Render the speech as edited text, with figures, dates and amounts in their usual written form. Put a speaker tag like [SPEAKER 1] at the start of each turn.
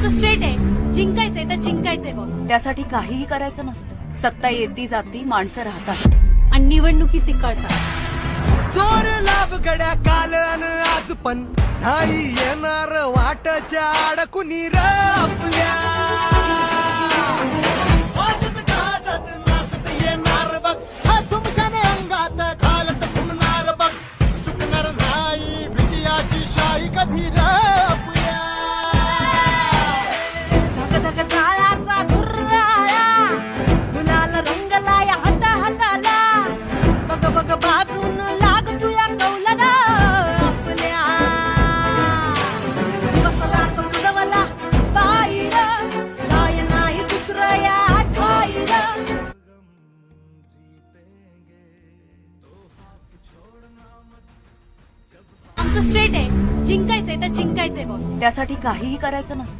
[SPEAKER 1] आमचं स्ट्रेट आहे, जिंकायचंय तर जिंकायचंय बॉस.
[SPEAKER 2] त्यासाठी काहीही करायचं नसतं. सत्ता येती जाती, माणसं राहतात.
[SPEAKER 1] आणि निवडणुकीत ते कळतात.
[SPEAKER 3] जोर लाभ गड्या काल अन आज पण नाही येणार वाटच्या अडकुनी र आपल्या वाजत गाजत नाचत येणार बघ हा तुमच्याने अंगात घालत फुलणार बघ सुटणार नाही विजयाची शाही कधी र आपल्या
[SPEAKER 2] धक धक जाळाचा धुर्राळा गुलाल रंगला या हाता हाताला. बघ बघ बाजून लाग तुया कौलना आपल्या. बसला तो कुदवला बाईर काय नाही दुसरं या ठाईर.
[SPEAKER 1] आमचं स्ट्रेट आहे, जिंकायचंय तर जिंकायचंय बॉस.
[SPEAKER 2] त्यासाठी काहीही करायचं नसतं.